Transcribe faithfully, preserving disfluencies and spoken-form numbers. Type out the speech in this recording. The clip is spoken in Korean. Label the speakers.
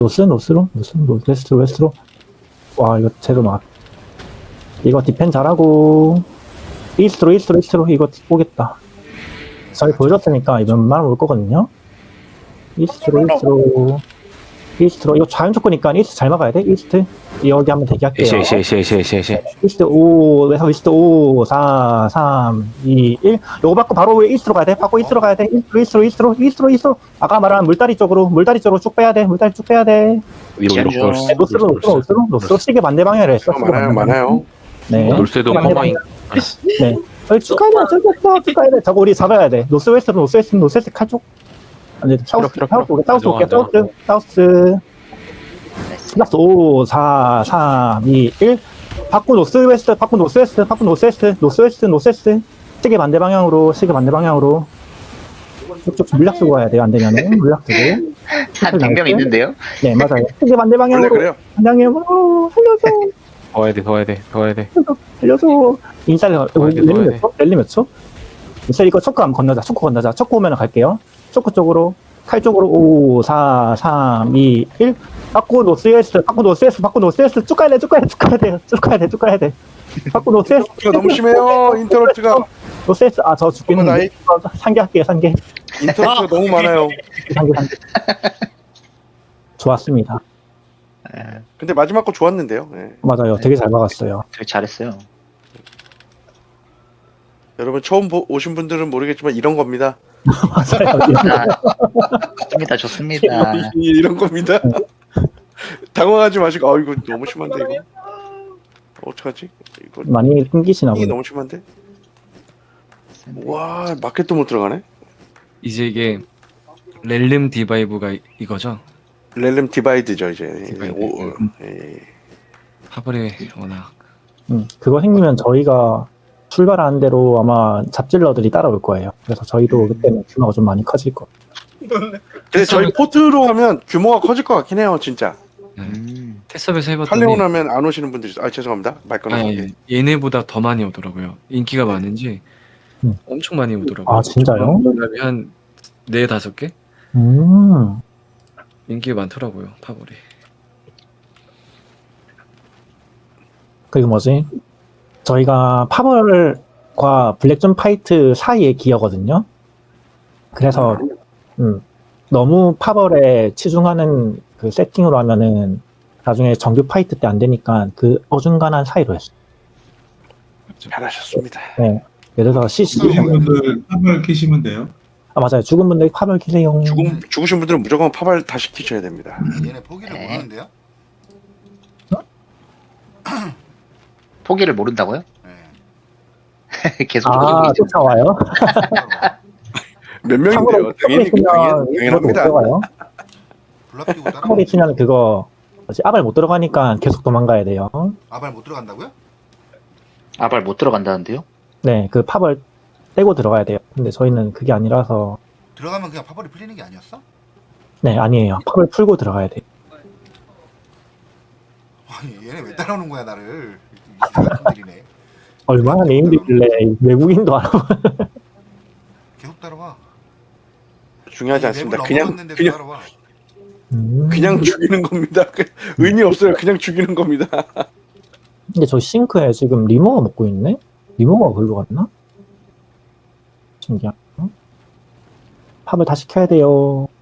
Speaker 1: 노스 노스로 노스 노스웨스트로 웨스트로. 와 이거 제로 막 이거 디펜 잘하고 이스트로 이스트로 이스트로 이거 오겠다. 저희 보여줬으니까 이번 웬만하면 올 거거든요. 이스트로 이스트로 이스트로 이거 자연 조건이니까 이스트 잘 막아야 돼. 이스트 여기 한번 대기할게요.
Speaker 2: 에시 에시 에시 에시 에시 에시.
Speaker 1: 이스트 오, 이스트 오, 사, 삼, 이, 일. 요거 받고 바로 이스트로 가야 돼. 받고 이스트로 가야 돼. 이스트로, 이스트로, 이스트로, 이스트로, 이스트로. 아까 말한 물다리 쪽으로, 물다리 쪽으로 쭉 빼야 돼. 물다리 쭉 빼야 돼.
Speaker 2: 위로 위로
Speaker 3: 지하죠.
Speaker 2: 놀스.
Speaker 1: 노스로, 노스로, 노스로, 노스로 시계 반대 방향으로 했어. 시계
Speaker 4: 많아요,
Speaker 1: 반대 방향.
Speaker 4: 많아요.
Speaker 1: 네.
Speaker 2: 놀스에도
Speaker 1: 반대
Speaker 2: 커마인.
Speaker 1: 방향. 네. 저기 쭉 가야 돼. 저기 쭉, 쭉 가야 돼. 저거 우리 잡아야 돼. 노스 웨스트로, 노스 웨스트, 노스 웨스트 칼 쪽. 아니, 사우스,
Speaker 2: 필요, 필요,
Speaker 1: 사우스,
Speaker 2: 필요.
Speaker 1: 사우스 올게.
Speaker 2: 안정화,
Speaker 1: 사우스, 사우스. 플러스 오, 사, 삼, 이, 일. 바꾸 노스웨스트, 바꾸 노스웨스트, 바꾸 노스웨스트, 노스웨스트, 노스웨스트. 시계 반대 방향으로, 시계 반대 방향으로. 쭉쭉 물약 쓰고 가야 돼요. 안 되면은 물약 쓰고.
Speaker 3: 한 백 명 있는데요?
Speaker 1: 네, 맞아요. 시계 반대
Speaker 4: 원래
Speaker 1: 방향으로.
Speaker 4: 그래요.
Speaker 1: 방향으로 살려줘,
Speaker 2: 더 해야 돼, 더 해야 돼, 더 해야 돼.
Speaker 1: 살려줘. 인사이드
Speaker 2: 돼,
Speaker 1: 랠리
Speaker 2: 넣어야
Speaker 1: 몇
Speaker 2: 돼.
Speaker 1: 초? 랠리 몇 초? 인사이드 이거 초크 한번 건너자. 초크 건너자. 초크 오면 갈게요. 초크 쪽으로. 칼 쪽으로 오, 사, 삼, 이, 일. 바꾸 노스웨스트, 바꾸 노스웨스트, 바꾸 노스웨스트. 쭉 가야 돼, 쭉 가야 돼, 쭉 가야 돼. 쭉 가야 돼, 쭉 가야 돼. 바꾸 노스웨스트.
Speaker 4: 이거 너무 심해요. 인터럽트가
Speaker 1: 노스웨스트. 아, 저 죽겠는데.
Speaker 4: 나이-
Speaker 1: 어, 상계할게요, 상계.
Speaker 4: 인터럽트가 너무 많아요.
Speaker 1: 상계, 상계. 좋았습니다.
Speaker 4: 근데 마지막 거 좋았는데요. 예.
Speaker 1: 맞아요. 되게 잘 막았어요.
Speaker 3: 되게 잘했어요.
Speaker 4: 여러분 처음 보, 오신 분들은 모르겠지만 이런 겁니다.
Speaker 1: 맞아요.
Speaker 3: 아, 좋습니다, 좋습니다.
Speaker 4: 이런 겁니다. 당황하지 마시고 아 이거 너무 심한데 이거. 어떡하지? 이거
Speaker 1: 많이 끊기시나
Speaker 4: 이게
Speaker 1: 보네.
Speaker 4: 너무 심한데? 와 마켓도 못 들어가네.
Speaker 5: 이제 이게 렐름 디바이브가 이- 이거죠?
Speaker 4: 렐름 디바이드죠 이제.
Speaker 5: 디바이드.
Speaker 4: 오,
Speaker 5: 음.
Speaker 4: 예.
Speaker 5: 파벌이 워낙
Speaker 1: 음, 그거 생기면 저희가 출발하는 대로 아마 잡질러들이 따라올 거예요. 그래서 저희도 그때는 규모가 좀 많이 커질 거예요.
Speaker 4: 근데 저희 포트로 하면 규모가 커질 것 같긴 해요 진짜.
Speaker 3: 음,
Speaker 5: 테스업에서 해봤더니
Speaker 4: 팔레온 하면 안 오시는 분들이 있어. 아 죄송합니다. 말 끊어서.
Speaker 5: 아니, 얘네보다 더 많이 오더라고요. 인기가 많은지
Speaker 1: 음.
Speaker 5: 엄청 많이 오더라고요.
Speaker 1: 아, 진짜요?
Speaker 5: 그다음에 한 네 다섯 개
Speaker 1: 음,
Speaker 5: 인기가 많더라고요. 파벌이.
Speaker 1: 그게 뭐지? 저희가 파벌과 블랙존 파이트 사이의 기어거든요. 그래서 음, 너무 파벌에 치중하는 그 세팅으로 하면은 나중에 정규 파이트 때 안 되니까 그 어중간한 사이로 했어요.
Speaker 4: 잘하셨습니다.
Speaker 1: 네. 예를 들어서 씨씨.
Speaker 6: 죽으신 분들 한번 키시면 돼요.
Speaker 1: 아, 맞아요. 죽은 분들 파벌 키세요.
Speaker 4: 죽음 죽으신 분들은 무조건 파발 다 시키셔야 됩니다.
Speaker 7: 얘네 포기를
Speaker 3: 네.
Speaker 7: 모르는데요?
Speaker 3: 포기를 모른다고요?
Speaker 7: 네.
Speaker 3: 계속
Speaker 1: 아,
Speaker 3: 모르고 있죠.
Speaker 1: 쫓아와요?
Speaker 4: 몇 명인데요? 당연히
Speaker 1: 치면
Speaker 4: 당연,
Speaker 1: 못
Speaker 4: 당연합니다.
Speaker 1: 들어가요.
Speaker 7: 블랍 끼고 따라.
Speaker 1: 파벌이 치면 그거 뭐지? 아발 못 들어가니까 계속 도망가야 돼요.
Speaker 7: 아발 못 들어간다고요?
Speaker 3: 아발 못 들어간다는데요?
Speaker 1: 네, 그 파벌 떼고 들어가야 돼요. 근데 저희는 그게 아니라서
Speaker 7: 들어가면 그냥 파벌이 풀리는 게 아니었어?
Speaker 1: 네, 아니에요. 파벌 풀고 들어가야 돼요.
Speaker 7: 아니 얘네 왜 따라오는 거야 나를? 이상 같은 들이네.
Speaker 1: 얼마나 네임들길래 외국인도 알아.
Speaker 7: 계속 따라와.
Speaker 4: 중요하지
Speaker 7: 아니,
Speaker 4: 않습니다.
Speaker 7: 맵을
Speaker 4: 그냥
Speaker 7: 넘어갔는데도
Speaker 4: 그냥
Speaker 7: 따라와.
Speaker 1: 음.
Speaker 4: 그냥 죽이는 겁니다. 그 의미 없어요. 그냥 죽이는 겁니다.
Speaker 1: 근데 저 싱크에 지금 리모가 먹고 있네? 리모가 글로 갔나? 신기하다. 팝을 다시 켜야 돼요.